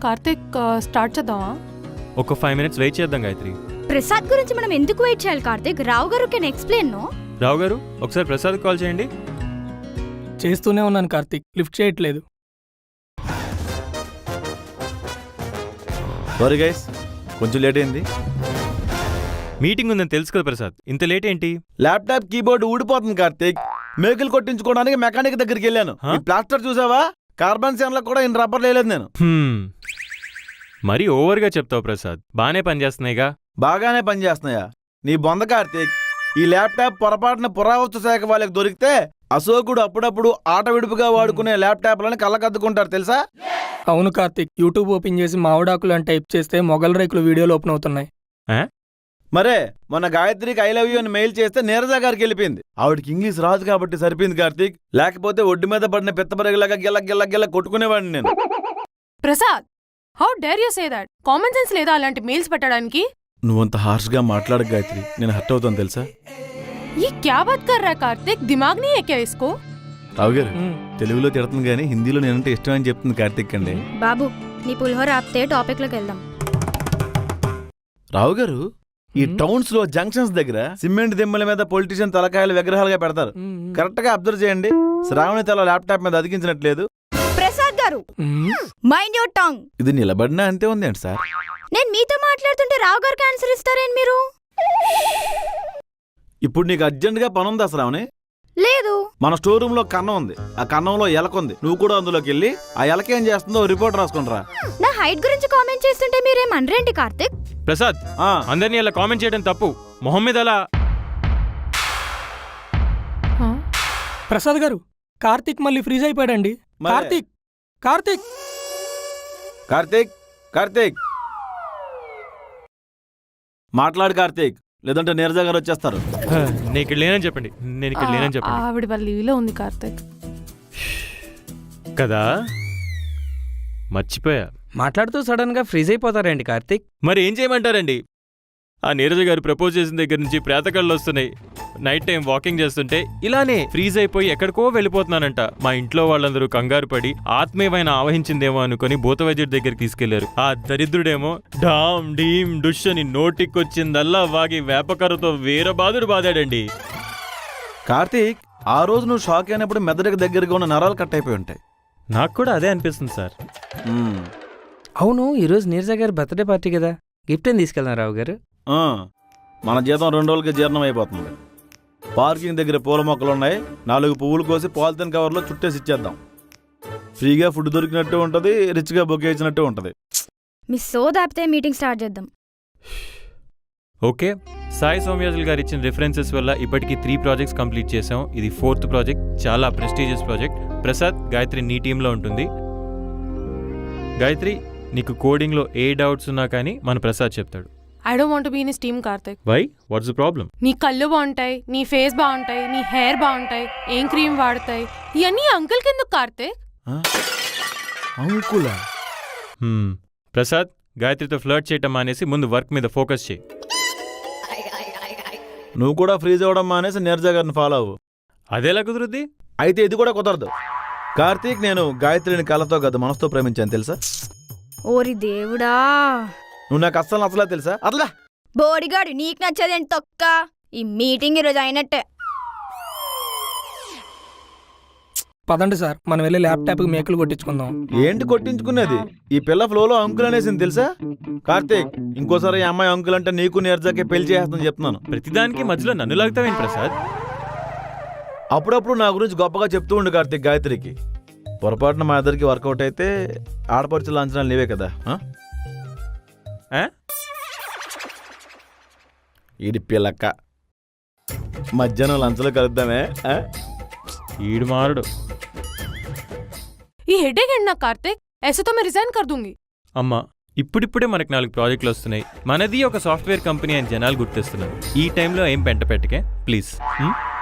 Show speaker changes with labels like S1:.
S1: Karthik start చేద్దామా?
S2: ఒక 5 minutes wait చేద్దాం గాయత్రి.
S3: ప్రసాద్ గురించి మనం ఎందుకు వెయిట్ చేయాలి కార్తిక్? రావు గారు కెన్ ఎక్స్ప్లెయిన్. నో
S2: రావు గారు ఒకసారి ప్రసాద్ కాల్ చేయండి.
S4: చేస్తూనే ఉన్నాను కార్తిక్, లిఫ్ట్ చేయట్లేదు.
S5: సారీ గైస్, కొంచెం లేట్ అయింది.
S2: మీటింగ్ ఉందని తెలుసు కదా ప్రసాద్, ఇంత లేట్ ఏంటి?
S5: ల్యాప్టాప్ కీబోర్డ్ ఊడిపోతుంది కార్తీక్. మేకులు కొట్టించుకోవడానికి మెకానిక్ దగ్గరికి వెళ్ళాను. ఈ ప్లాస్టర్ చూసావా? కార్బన్ సెన్లో కూడా ఇన్ని రబ్బర్ లేదు నేను.
S2: మరీ ఓవర్గా చెప్తావు ప్రసాద్. బానే పనిచేస్తున్నాయిగా.
S5: బాగానే పనిచేస్తున్నాయా? నీ బొంద కార్తీక్. ఈ ల్యాప్టాప్ పొరపాటున పురావస్తు శాఖ వాళ్ళకి దొరికితే అశోకుడు అప్పుడప్పుడు ఆట విడుపుగా వాడుకునే ల్యాప్టాప్లను కళ్ళకద్దుకుంటారు తెలుసా?
S4: అవును కార్తిక్, యూట్యూబ్ ఓపెన్ చేసి మామిడాకులు అని టైప్ చేస్తే మొగల్ రేకులు వీడియోలు ఓపెన్ అవుతున్నాయి.
S5: మరే మొన్న గాయత్రికి ఐ లవ్ యూ అని మెయిల్ చేస్తే నీరజ గారికి వెళ్ళిపోయింది. ఆవిడకి ఇంగ్లీష్ రాదు కాబట్టి సరిపోయింది కార్తీక్. లేకపోతే ఒడ్డు మీద పడిన పిత్తపరగలాగా గిల్ల గిల్ల గిల్ల కొట్టుకునేవాడిని నేను.
S1: Prasad, how dare you say that? Common sense లేదా అలాంటి మెయిల్స్ పెట్టడానికి?
S5: నువ్వంత హార్ష్గా మాట్లాడక గాయత్రి, నేను హర్ట్ అవుతాను తెలుసా?
S1: ये क्या बात कर रहा है कार्तिक? दिमाग नहीं है क्या इसको?
S5: రావు గారు తెలుగులో తిడుతుంది కానీ హిందీలో నేనంటే ఇష్టం అని చెప్తుంది కార్తీక్ అండి.
S3: బాబు నీ పులిహోర ఆపితే టాపిక్ లోకి వెళ్దాం.
S5: రావు గారు, ఈ టౌన్స్ లో జంక్షన్స్ దగ్గర సిమెంట్ దిమ్మల మీద పొలిటీషియన్ తలకాయలు విగ్రహాలుగా పెడతారు. కరెక్ట్ గా అబ్జర్వ్ చేయండి. శ్రావణి తల ల్యాప్టాప్ మీద అతికించినట్లేదు.
S3: ప్రసాద్ గారు, మైండ్ యువర్ టంగ్.
S5: ఇది నిలబడినా అంతే ఉంది అండి సార్.
S3: నేను మీతో మాట్లాడుతుంటే రావు గారికి ఆన్సర్ ఇస్తారేంటి మీరు?
S5: ఇప్పుడు నీకు అర్జెంట్ గా పని ఉందా శ్రావణి?
S3: లేదు.
S5: మన స్టోర్ రూమ్ లో కన్నం ఉంది. ఆ కన్నంలో ఎలక ఉంది. నువ్వు కూడా అందులోకి వెళ్ళి ఆ ఎలక ఏం చేస్తుందో రిపోర్ట్ రాసుకుంటారా.
S3: నా హైట్ గురించి కామెంట్ చేస్తుంటే మీరేమనరేంటి కార్తిక్?
S2: ప్రసాద్, అందరినీ అలా కామెంట్ చేయడం తప్పు. మొహం మీద అలా.
S4: ప్రసాద్ గారు, కార్తిక్ మళ్ళీ ఫ్రీజ్ అయిపోయాడండి. కార్తిక్ కార్తిక్
S5: కార్తీక్ కార్తీక్ మాట్లాడు కార్తీక్, లేదంటే నీరజ గారు వచ్చేస్తారు.
S2: నేను ఇక్కడ లేనని చెప్పండి. నేను ఇక్కడ లేనని చెప్పండి.
S1: ఆవిడ వాళ్ళ లీవ్లో ఉంది కార్తిక్
S2: కదా, మర్చిపోయా.
S6: మాట్లాడుతూ సడన్ గా ఫ్రీజ్ అయిపోతారండి కార్తిక్.
S2: మరి ఏం చేయమంటారండి? ఆ నీరజ గారు ప్రపోజ్ చేసిన దగ్గర నుంచి ప్రేతకళ్ళు వస్తున్నాయి. నైట్ టైం వాకింగ్ చేస్తుంటే ఇలానే ఫ్రీజ్ అయిపోయి ఎక్కడికో వెళ్ళిపోతున్నానంట. మా ఇంట్లో వాళ్ళందరూ కంగారు పడి ఆత్మీయమైన ఆవహించిందేమో అనుకుని భూతవైద్యుడి దగ్గరికి తీసుకెళ్లారు. ఆ దరిద్రుడేమో డామ్ డీమ్ డుష్ అని నోటికొచ్చిందల్లా వాగి వేపకర్రతో వీరబాదుడు బాదాడండి.
S5: కార్తీక్, ఆ రోజు నువ్వు షాక్ అయినప్పుడు మెదడుకి దగ్గరగా ఉన్న నరాలు కట్ అయిపోయి ఉంటాయి.
S2: నాకు కూడా అదే అనిపిస్తుంది సార్.
S6: అవును, ఈరోజు నీరజ గారి బర్త్డే పార్టీ కదా, గిఫ్ట్ ఏం తీసుకెళ్దాం రావు గారు?
S5: మన జీతం 2 రోజులకి జీర్ణం అయిపోతుంది. పార్కింగ్ దగ్గర పూల మొక్కలున్నాయి. 4 పువ్వులు కోసి పాలిథిన్ కవర్లో చుట్టేసి ఇచ్చేద్దాం. ఫ్రీగా ఫుడ్ దొరికినట్టు ఉంటుంది, రిచ్గా బొకే ఇచ్చినట్టు ఉంటుంది.
S3: మీ సో దాపితే మీటింగ్ స్టార్ట్ చేద్దాం.
S2: ఓకే, సాయి సౌమ్యాజుల్ గారు ఇచ్చిన రిఫరెన్సెస్ వల్ల ఇప్పటికీ 3 ప్రాజెక్ట్స్ కంప్లీట్ చేసాం. ఇది 4th ప్రాజెక్ట్, చాలా ప్రెస్టీజియస్ ప్రాజెక్ట్. ప్రసాద్, గాయత్రి నీ టీంలో ఉంటుంది. గాయత్రి, నీకు కోడింగ్లో ఏ డౌట్స్ ఉన్నా కానీ మన ప్రసాద్ చెప్తాడు.
S1: I don't want to be in his team Karthik.
S2: Why? What's the problem?
S1: నీ కళ్ళు బాగుంటాయి, నీ ఫేస్ బాగుంటాయి, నీ హెయిర్ బాగుంటాయి, ఏం క్రీమ్ వాడతాయి, ఇవన్నీ అంకుల్ కిందకు కార్తిక్.
S5: అంకులా?
S2: ప్రసాద్, గాయత్రితో ఫ్లర్ట్ చేయటం మానేసి ముందు వర్క్ మీద ఫోకస్ చేయి.
S5: నువ్వు కూడా ఫ్రీజ్ అవ్వడం మానేసి నీరజ గారిని ఫాలో అవ్వు.
S2: అదేలా కుదురుద్ది?
S5: అయితే ఇది కూడా కుదరదు. కార్తీక్, నేను గాయత్రిని కళ్ళతో కాదు మనసుతో ప్రేమించాను తెలుసా?
S3: ఓరి దేవుడా,
S5: నువ్వు నాకు అస్సలు నచ్చలా తెలుసా? అట్లా
S3: బోడిగాడు నీకు నచ్చదేంటి తొక్క? ఈ మీటింగ్ ఈరోజు అయినట్టే.
S4: పదండి సార్, మనం వెళ్ళి ల్యాప్టాప్కి మేకులు కొట్టించుకుందాం.
S5: ఏంటి కొట్టించుకునేది? ఈ పిల్ల ఫ్లోలో అంకుల్ అనేసింది తెలుసా? కార్తీక్, ఇంకోసారి ఈ అమ్మాయి అంకుల్ అంటే నీకు నీరజకే పెళ్లి చేస్తాను చెప్తున్నాను.
S2: ప్రతిదానికి మధ్యలో నన్ను లాగుతావేంటి ప్రసాద్?
S5: అప్పుడప్పుడు నా గురించి గొప్పగా చెప్తూ ఉండు కార్తీక్ గాయత్రికి. పొరపాటున మా ఇద్దరికి వర్కౌట్ అయితే ఆడపడుచుల అంచనాలు నీవే కదా. ఈడి పిల్లక్క, మధ్యాహ్నం లంచ్లో కలుద్దామే.
S2: ఈడు మారుడు.
S1: ఈ హెడేక్ ఏంటి నాకు కార్తిక్? ऐसे तो मैं रिजाइन कर दूंगी.
S2: అమ్మా, ఇప్పుడిప్పుడే మనకు 4 ప్రాజెక్టులు వస్తున్నాయి. మనది ఒక సాఫ్ట్వేర్ కంపెనీ అని జనాలు గుర్తిస్తున్నారు. ఈ టైంలో ఏం పెంట పెట్టకే ప్లీజ్.